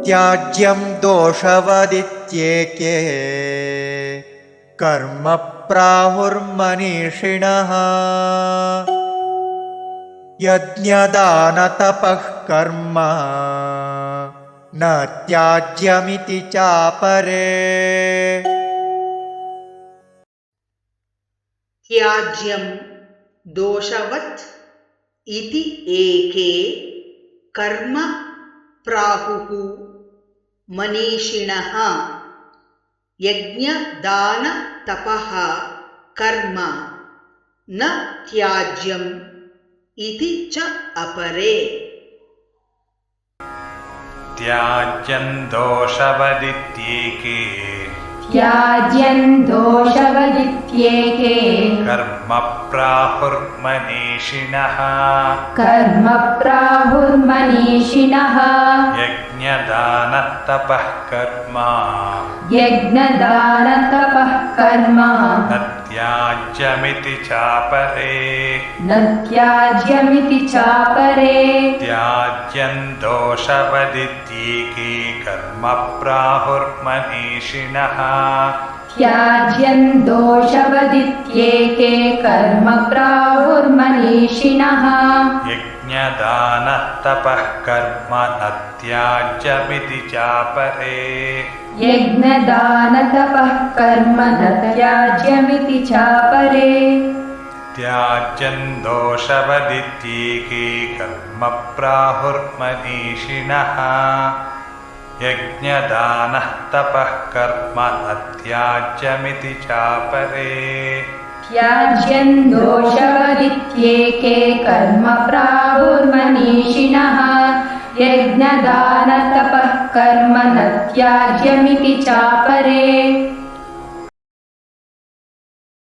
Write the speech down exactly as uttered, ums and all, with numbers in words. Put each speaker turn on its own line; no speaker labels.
त्याज्यं दोषवदित्येके कर्म प्राहुर्मनीषिणः यज्ञदानतपः कर्म न त्याज्यमिति चापरे।
त्याज्यं दोषवत् इति एके कर्म प्राहुः मनीषिणः यज्ञदानतपः कर्म न त्याज्यम् इति च अपरे।
त्याज्यं दोषवदित्येके
त्याज्यं दोषवदित्येके
कर्म प्राहुर्मनीषिणः
कर्म प्राहुर्मनीषिणः
यज्ञदानतपः कर्म
यज्ञदानतपः कर्म
न त्याज्यमिति चापरे।
न त्याज्यमिति चापरे।
त्याज्यं दोषवदित्येके कर्म प्राहुर्मनीषिणः
त्याज्यं दोषवदित्येके कर्म प्राहुर्मनीषिणः
यज्ञदानतपः कर्म न त्याज्यमिति चापरे।
यज्ञदानतपः कर्म न त्याज्यमिति चापरे।
त्याज्यं दोषवदित्येके कर्म प्राहुर्मनीषिणः यज्ञदानः तपः कर्म न त्याज्यमिति चापरे।
त्याज्यं दोषवदित्येके कर्म प्राहुर्मनीषिणः यज्ञदानतपः कर्म न त्याज्यमिति चापरे।